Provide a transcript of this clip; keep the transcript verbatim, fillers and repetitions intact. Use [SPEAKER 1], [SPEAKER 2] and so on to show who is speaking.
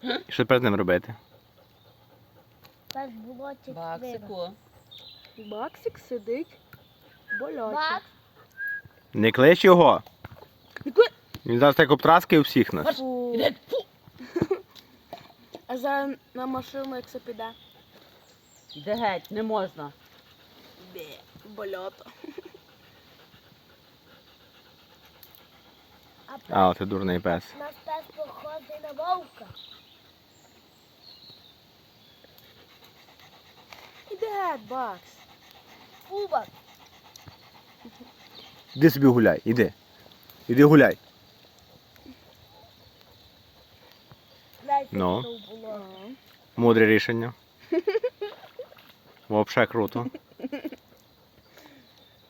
[SPEAKER 1] І що тепер з ним робити?
[SPEAKER 2] Так було чи
[SPEAKER 3] Баксику.
[SPEAKER 4] Баксик сидить в болоті.
[SPEAKER 2] Бакс.
[SPEAKER 1] Не клич його.
[SPEAKER 4] Не клич!
[SPEAKER 1] Він зараз так обтраскає всіх нас.
[SPEAKER 4] Фу.
[SPEAKER 3] Іди, фу.
[SPEAKER 4] А зараз на машину, як це піде.
[SPEAKER 3] Іди геть, не можна.
[SPEAKER 4] Бе, в болото.
[SPEAKER 2] А
[SPEAKER 1] А, ти дурний пес.
[SPEAKER 2] у нас пес похожий на вовка.
[SPEAKER 4] Іди геть, Бакс.
[SPEAKER 2] Кубок.
[SPEAKER 1] Іди собі гуляй, іди. Іди гуляй.
[SPEAKER 2] Дайте
[SPEAKER 1] Ну.
[SPEAKER 2] що було.
[SPEAKER 1] Мудре рішення. Вообще круто.